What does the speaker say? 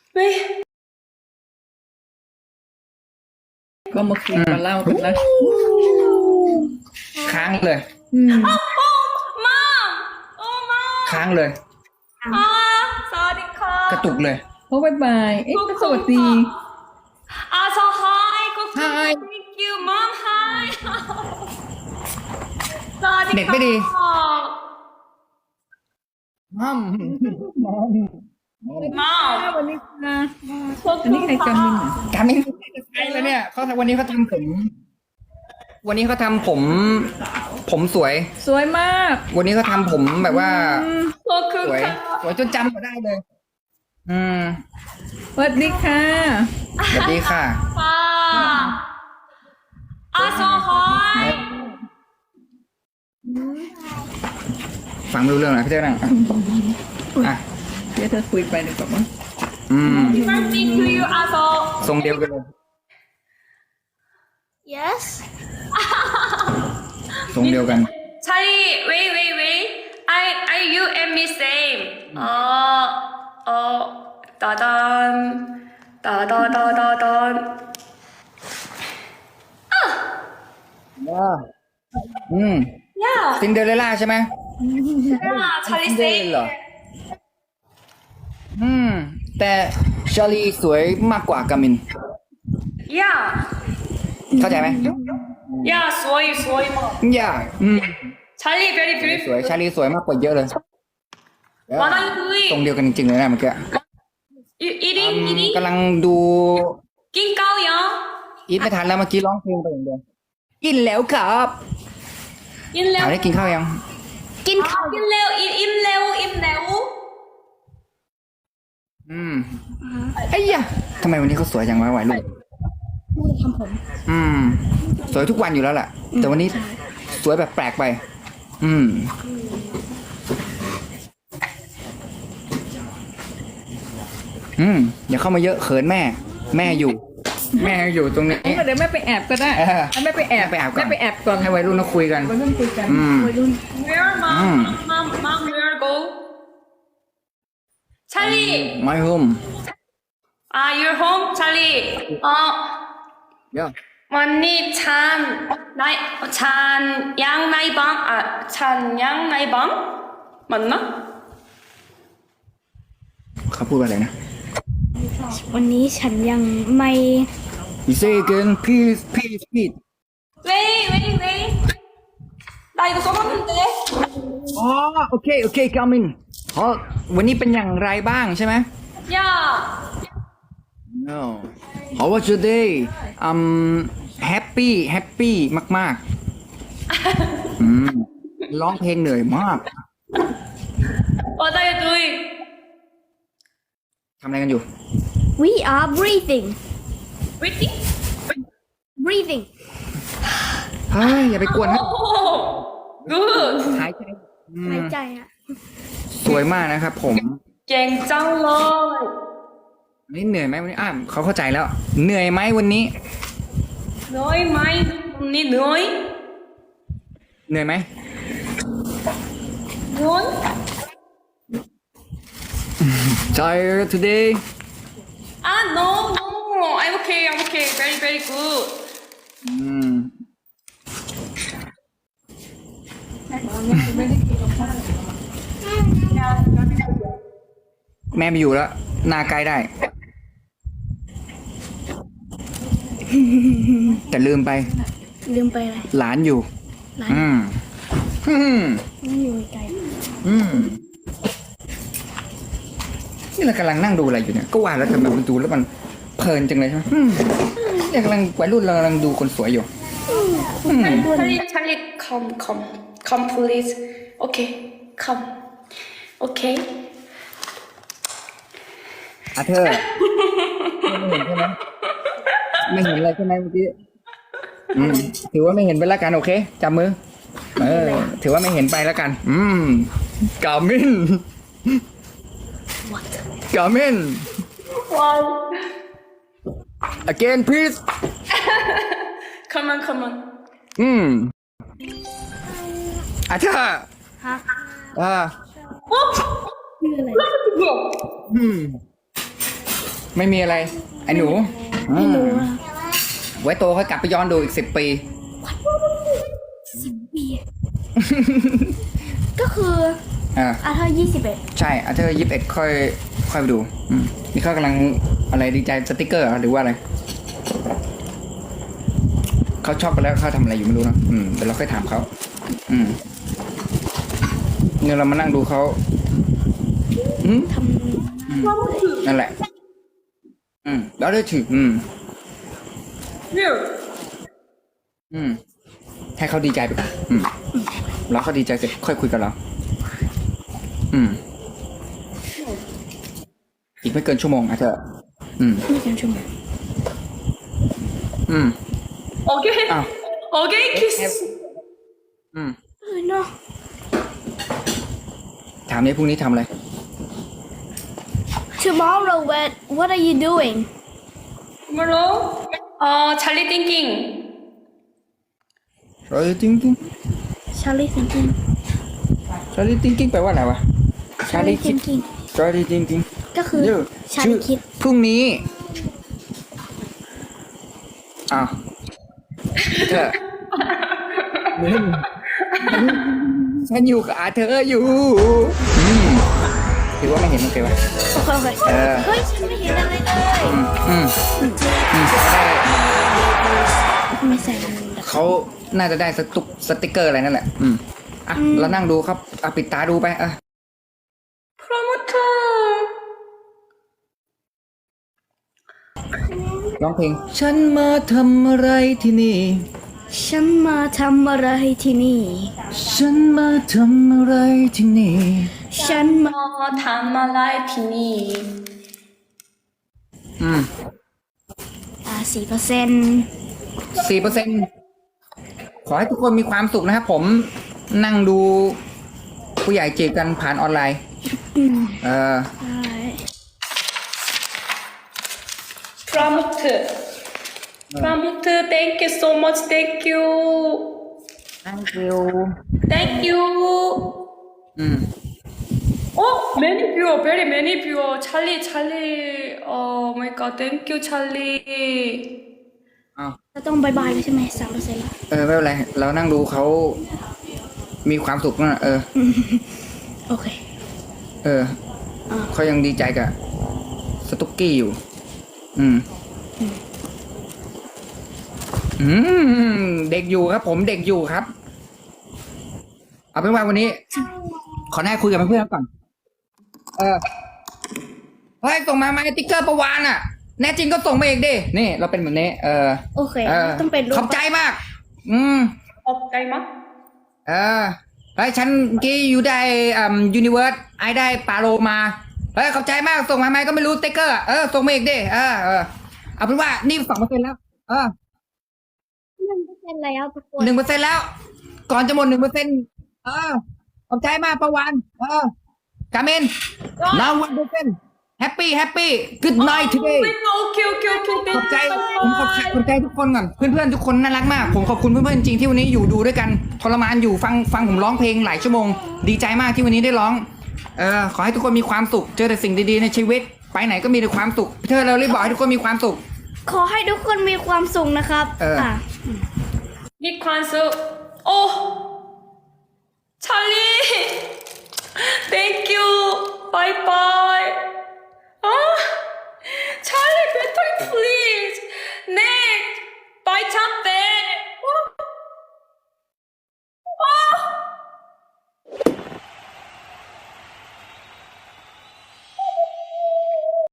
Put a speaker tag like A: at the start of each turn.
A: 왜?
B: ก็มาคุยมาเล่ากันแล้ว
C: ค้างเลย
A: 맘! 맘!
C: ค้างเลย
A: 사와디카.
C: กระตุกเลย
B: โอ้บายบายเอ๊ะก็สวัสดี
A: 저 하이,
C: Hi.
A: thank you, mom, hi.
C: เด็กไม่ดี
A: 사와디카.
C: มัม
A: mom.
B: วันนี้ค่ะอันนี้ใครจำมินเหรอ
C: การไม่ใช่แล้วเนี่ยเขาวันนี้เขาทำผม วันนี้เขาทำผมสวย
B: สวยมาก
C: วันนี้เขาทำผมแบบว่า สวย
A: 포크카.
C: สวยจนจำก็ได้เลย
B: สวัสดีค่ะ
C: สวัสดีค่ะ
A: 저 하이.
C: ฟังไม่รู้เรื่องนะพี่เจ้านั่งอ่ะ
B: เดี๋ยวเธอคุยไปดีกว่ามั้ง
A: Birthday to you, 저.
C: ทรงเดียวกันเลย
A: Yes.
C: ทรงเดียวกัน
A: Charlie, wait. You and me same. 따단, 따다다다단.
C: ซิ
A: Yeah,
C: นเดอเรลล่าใช่ไหม
A: Charlie
C: ซินเดอเรล
A: same.
C: เหรอแต่ชาลีสวยมากกว่ากามิน
A: Yeah,
C: เข้าใจไหม
A: yeah, 소이 뭐.
C: อย่า
A: Charlie very
C: สวย
A: beautiful.
C: ชาลีสวยมากกว่าเยอะเลย
A: What are you
C: ตรง
A: doing?
C: เดียวกันจริงๆเลยนะเมื่อกี้
A: You eating?
C: กำลังดู
A: 낑까오요?
C: อีทไม่ทันแล้วเมื่อกี้ร้องเพลงไปอย่างเดียวกินแล้วครับ ถามได้
A: 임레오?
C: กินข้าวยัง
A: 임레오?
C: ไอ้ยะทำไมวันนี้เขาสวยจังวะวัยรุ่นทำผมสวยทุกวันอยู่แล้วแหละแต่วันนี้สวยแบบแปลกไป อย่าเข้ามาเยอะเขินแม่ แม่อยู่ตรงนี้
B: เดี๋ยวแม่ไปแอบก็ได้
C: เออ
B: แม่ไปแอบ
C: ไปแอบก่อน
B: แม่ไปแอบก่อน
C: ให้วัยรุ่นเขาคุยกัน
B: วัยรุ่นคุยกันวัยรุ่น
A: Where mom, where go? Charlie,
C: My home
A: your home, Charlie.
C: yeah
A: 언니 찬양나이방 맞나?
C: เขาพูดว่าอะไรนะ
D: วันนี้ฉันยังไม่
C: You say again please
A: 왜? 나 이거 써봤는데.
C: อ๋อโอเคกามินอ๋อวันนี้เป็นอย่างไรบ้างใช่ไหม
A: 야,
C: No How was your day happy มากร้องเพลงเหนื่อยมาก
A: what are you doing?
C: ทำอะไรกันอยู่
D: We are breathing
A: Waiting?
D: breathing
C: เฮ้ยอย่าไปกวนนะ
A: Oh, good.
C: หายใจ
D: หายใจอะ
C: สวยมากนะครับผม
A: 갱짱러.
C: วันนี้เหนื่อยไหมวันนี้เขาเข้าใจแล้ว เหนื่อยไหมวันนี้
A: 너희 마이 언니 너희?
C: เหนื่อยไหม
A: 넌?
C: Tired today
A: No. I'm okay. Very good.
C: แม่ไม่อยู่แล้วหน้าใกล้ได้ แต่ลืมไป
D: อะไร
C: หลานอยู่
D: หลาน ไม่อยู่ไกล
C: นี่เรากำลังนั่งดูอะไรอยู่เนี่ย ก็ว่าแล้วทำไมมันดูแล้วมันเพลินจังเลยใช่ไหมเนี่ยกำลังวัยรุ่นเรากำลังดูคนสวยอยู่
A: Charlie, come, please. Okay, come. Okay.
C: อาเธอร์ไม่เห็นใช่ไหมไม่เห็นอะไรใช่ไหมเมื่อกี้ถือว่าไม่เห็นไปแล้วกันโอเคจับมือถือว่าไม่เห็นไปแล้วกันกามินกามิน
A: Wow.
C: again please
A: Come on.
C: อาเธอร์
D: ฮะ
A: 어?
D: ชื่ออะไร
A: 뭐야?
C: ไม่มีอะไร ไอ้หนู
D: ไม่รู้อะ
C: ไว้โตค่อยกลับไปย้อนดูอีก10 ปี
D: 10 ปี ก็คือ
C: อ่า
D: อาเธอร์21
C: ใช่อาเธอร์21ค่อยไปดูนี่เขากำลังอะไรดีใจสติกเกอร์เหรอหรือว่าอะไรเขาชอบกันแล้วเขาทำอะไรอยู่ไม่รู้นะเดี๋ยวเราค่อยถามเขาเนี่ยเรามานั่งดูเขา
D: ท
C: นั่นแหละแล้วได้ถือ
A: Here.
C: ให้เขาดีใจไปก่อนแล้วเขาดีใจเสร็จค่อยคุยกับเราอีกไม่เกินชั่วโมงอาเธอร์
D: ไม่เกินชั่วโมง
A: Okay.
C: Ah.
A: Okay, kiss.
D: เนาะ
C: ถามนี้พรุ่งนี้ทำอะไร
D: Tomorrow what are you doing
A: Tomorrow? Charlie thinking.
C: Charlie thinking
D: Charlie thinking
C: Charlie thinking แปลว่าอะไรวะ
D: Charlie
C: Charlie
D: thinking
C: Charlie thinking
D: ก็คือ
C: เดี๋ยว
D: Charlie คิด
C: พรุ่งนี้อ้าวเธอฉันอยู่กับอาเธอร์อยู่ถือว่าไม่เห็นโอเควะ
D: โอเคเฮ้ยฉันไม่เห็นอะไรเลยไม่ใส่มันแบบ
C: เขาน่าจะได้สติกเกอร์อะไรนั่นแหละเรานั่งดูครับปิดตาดูไป
A: Promoter.
C: ร้องเพลงฉันมาทำอะไรที่นี่
D: ฉันมาทำอะไรที่นี่
C: ฉันมาทำอะไรที่นี่
D: ฉันมา
A: ทำอะไรที่นี่
D: 4%
C: ขอให้ทุกคนมีความสุขนะครับผมนั่งดูผู้ใหญ่จีบกันผ่านออนไลน์
D: ใช่
A: Promoter. Promoter, thank you so much. Thank you.
C: Thank you
A: Thank you. Oh, many viewer, very many viewer. Charlie. Oh my God, thank you, Charlie.
D: เราต้องบายบายแล้วใช่ไหม3%แล้ว
C: ไม่เป็นไรเรานั่งดูเขามีความสุขนะ
D: โอเค
C: เขายังดีใจกับสตุกกี้อยู่เด็กอยู่ครับผมเด็กอยู่ครับเอาเป็นว่าวันนี้ขอแน่คุยกับเพื่อนๆก่อนเฮ้ยส่งมาไหมติ๊กเกอร์ประวานอ่ะแน่จริงก็ส่งมาเองดินี่เราเป็นแบบนี้
D: โอเคต้องเป็นรูป
C: ขอบใจมาก
A: Okay, ma.
C: เฮ้ยฉันกี้อยู่ได้ยูนิเวิร์สไอได้ปาโลมาเฮ้ยขอบใจมากส่งมาไหมก็ไม่รู้ติ๊กเกอร์ส่งมาเองดิเอาเป็นว่านี่2%แล้ว
D: 1%แล้วทุกคน
C: 1%แล้วก่อนจะหมด 1%ขอบใจมากประวันกาเมนnow 1% happy good night today
A: Okay.
C: ขอบใจผมขอบใจทุกคนก่อนเพื่อนๆทุกคนน่ารักมากผมขอบคุณเพื่อนๆจริงที่วันนี้อยู่ดูด้วยกันทรมานอยู่ฟังผมร้องเพลงหลายชั่วโมงดีใจมากที่วันนี้ได้ร้องขอให้ทุกคนมีความสุขเจอแต่สิ่งดีๆในชีวิตไปไหนก็มีแต่ความสุขเธอเรารีบบอกให้ทุกคนมีความสุข
D: ขอให้ทุกคนมีความสุขนะครับ
A: Big concert. Oh, Charlie. Thank you. Bye.